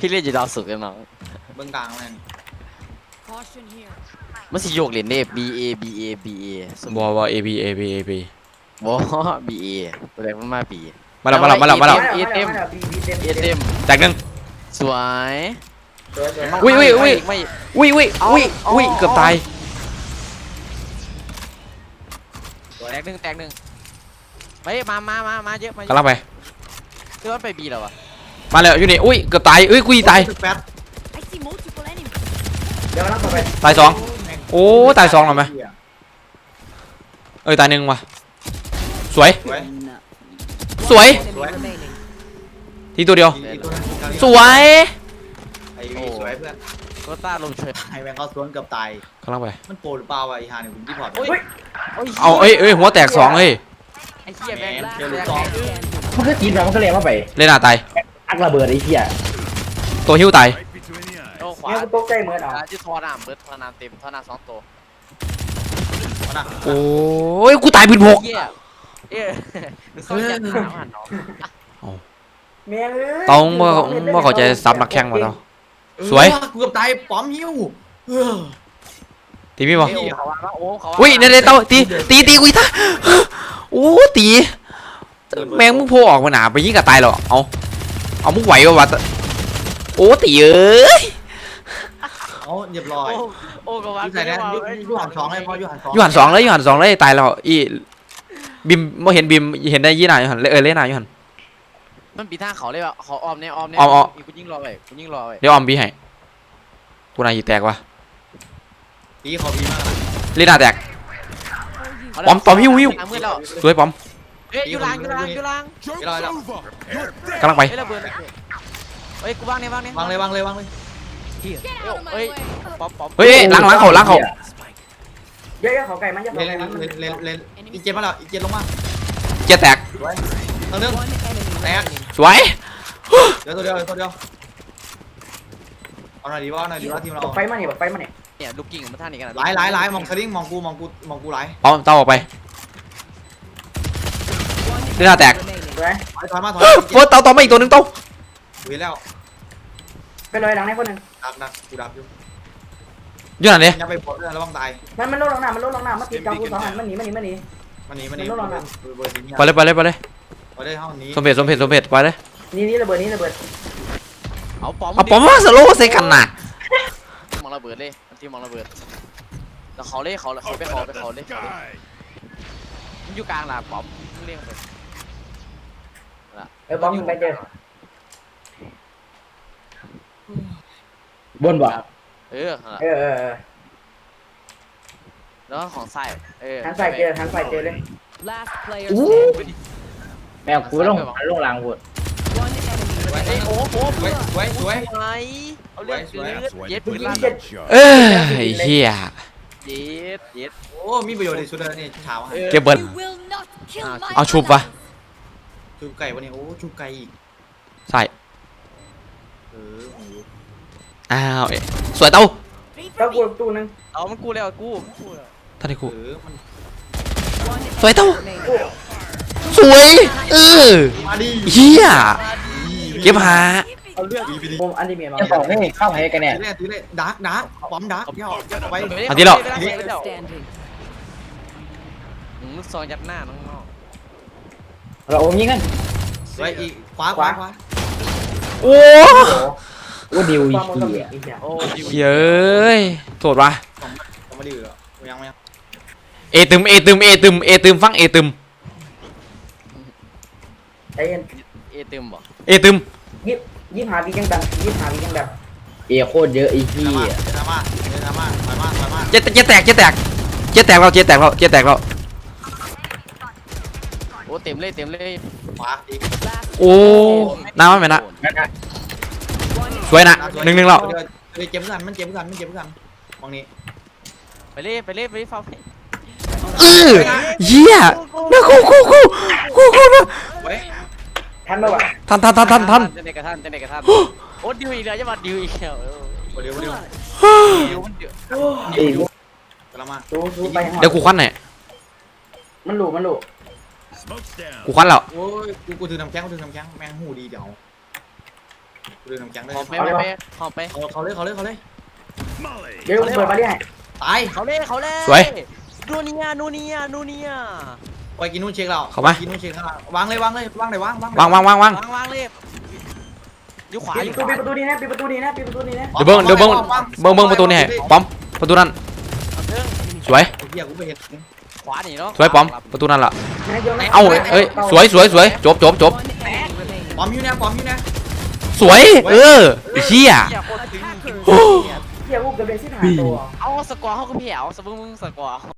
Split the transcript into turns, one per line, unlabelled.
พี่เล่นอยู่ดาวสุกกันน้อง
เบื้องกลางนั่น
มันสิโยกเหรียญเด้ B A B A B A
บอA B A B A B
บ่ B A ตัวแรกมันมา B
มาแล้ว
เอเต็ม
แตกหนึ่ง
สวย
อุ้ย
ไม่
เกือบตาย
แตกหนึ่งไปมาเยอะมาก
ำลังไป
คือมันไป B แล้ววะ
มาแล้วอยู่นี่อุ้ยเกือบตายกูตาย
แป๊บ
เดี๋ยวกำลังต่อไป
ตายสองโอ้ตายสองหรอไหมตายหนึ่งว่ะสวยทีตัวเดียวสวย
ไอ้สวยเพื่อน
โคต้าลมเฉย
ไอ้แมงเขาสวนเกือบตาย
กำลังไป
มันโปรหรือเปล่าวะไอ้ฮาเนี่ยผมที่พอร์ต
เอาหัวแตกสองเฮ้ย
ไอ้เหี้ยแม่ง
เดี๋ยวลูกสอง
มันก็จีนมันก็เลี้ยงมาไป
เล่นหน้าตาย
อักระเบิดไอ้เหี้ย
ตัวหิ้วตาย
โอ้ขวา
เนี่ยกูตกใจเหมือนเอา
จะทอน้ำเบิร์ดทอน้ำเต็มทอน้ำ2 ตัว
โอ้ยกูตายปืนพก
เหี้ยเขาอยากถามหันน้อง
แม่เอ้ย
ต้องเมื่อเขาจะซับนักแข่งมาแล้วสวย
เกือบตายป้อมหิ้ว
ตีพี่บอ
เขาว่าโอ้เขา
อุ้ยเนี่ยเต้าตีกูอีกท่าโอ้ตีแมงมึงโผล่ออกมาหนาไปยิงกับตายหรอเอามึงไหววะโอ้ตีเอ้ย
เอาเรียบร้อย
โอ้ก็ว่า
ใส่ได้ยูหันสองเลยพอยูหันสอง
ยูหันสองเลยตายแล้วอีบิมไม่เห็นบิมเห็นได้ยี่หน่ายูหันเล่นหน่ายูหัน
มันปีท่าเขาเลยว่ะเขาออมเนี่ยกูยิ่งรอไป
เดี๋ยวออมบีให้กูนายยีแตกวะ
ปีเขาปีมาก
เล่นหน้าแตกปอมหิ้วสวยปอม
เฮ้ยยูรัง
เรียบร้อยแล้ว
กำลังไป
เฮ้ยระเบิดเฮ้ยกูวางเนี่ยวาง
างเลย
เฮ้ยป๊อป
เฮ้ยล้างเขา
เยอะๆเขาไก่มันจะเขา
เล่น
ไก่มัน
เล่นอีเจ็บมาแล้วอีเจ็บลงมา
เจ๊แตก
ทางนึงแตก
สวย
เดี๋ยวตัวเดียวเอาหน่อยดีว่าทีมเรา
ไฟมันนี่
เนี่ยลูกกิ่งมันท่านี้กัน
หลายมองสลิงมองกูหลาย
เอาเต้าออกไปเล่นหน้าแตก
สวย
ถอยมา
โอ้เต้ามาอีกตัวนึงเต้า
เว้ยแล้ว
ไปเลยหลังในคนหนึ่ง
ดักกูดับอยู่
อยู่ไหนเนี่ย
อย่าไปปลดระวังตาย
มันลดลงน้ำมันติดจอกู2 อันมันหนี
มานี่เบอร์นี้
ไปเลย
ไปได้ห้องนี้
สมเพชไปเลย
นี่ระเบิด
เอาป๊อม
เอาปอมมาสโลว์ใส่กันน่ะ
มองระเบิดเลยทีมองระเบิดแล้วเขาเล่เขาไปเขาเลยมันอยู่กลางหลังป๊อมเรียกไป
บอมไปเจอบนบ่
เออ แล้วของใส่
หันใส่เจอเลย แมวกูลงลางหัว
โอ้โห
สวย
เอาเลือดเย็ดปืนลั่น
ไอ้เหี้ย
เย็ด
โอ้มีประโยชน์ในชุดนี่เช้า
เก็บเบิร์ดเอาชุบวะ
ชุบไก่วันนี้โอ้ชุบไก่อีก
ใส่อ้าวสวยเต้า
กูตู้นึง
เอามันกูแล้วกู
ท่านไอ้กู
มัน
สวยเต้าสวย
มาดิ
เหี้ยเก็บหา
เอาเลือด
ผมอันนี้เมียมาบอกนี่เข้าให้กันแน่
ตีเลยดักป้อมดักย่อไป
ลูกซองยัดหน้าน้อง
เราโอมยิงกัน
สวยอีกขวา
โอ้
ดิวอีก
โอ้ดิว
เย้ยโทษวะ
ผมมาดิยังไม่
เอตึมฟังเอตึม
ใจเย็น
เต็มบ่
เอตึม
ยี่หาวิยังแบบโคตรเยอะไอ้ที่
มา
เจ๊แตกเรา
โอ้เต็มเลย
ขวาอีก
โอ้น้ำมันไหมนะสวยนะ1-1แล้ว
เจ็บกันมันเจ็บกันมองนี้
ไปเล่ฟาว
เหี้ยนะกูนะ
ทันป่าวะ
ทัน
เจเนกระทันโอ้ดิวอีกแล้วจะมาดิวอีกแล้ว
เดี๋ยว
ดิวมันเดือด
กลับมา
สู้ไป
เดี๋ยวกูควันหน่อย
มันหลุ
กูควันแล้ว
โอ้ยกูถือน้ำแข็งแมงหูดีเดี๋ยวกูดึงน้ำแข็งได้
หอมไปไปหอมไป
เขาเลยเขาเลยเขาเลย
เดี๋ยวเปิดมาดิให้
ตาย
เขาเล่เขาเล่
สวย
นูเนียนูเนียนูเนีย
ไปกินนู่นเช็คเรา
เข้ามา
กินนู่นเช็คข้างล่างวางเลยวางเลยวางเลยวาง
วางวางวางวาง
วางเลยอยู่ขวา
ปิด
อยู่
ประ
ข
ตู
วา
ปิดประตูนี้นะปิดประตูนี้นะปิดประตูนี้นะ
เดี๋ยวเบิ้งประตูนี่ให้ป้อมประตูนั้น
เอาเทิง
สวย
เฮียกูไปเห็น
ขวาหนีเนาะ
สวยป้อมประตูนั้นล่ะ
นะโยนนะ
เอ้าเอ้ยสวยสวยสวยจบจบจบ
ปอมอยู่นะปอมอยู่นะ
สวยเออไอ้เหี้ย
เหี้ยโคตรถึง
โอ้
เฮียกูเกือบได้สิบห้าตัว
เอาสกอร์เขาก็พี่เอาสมมึงสกอร์เขา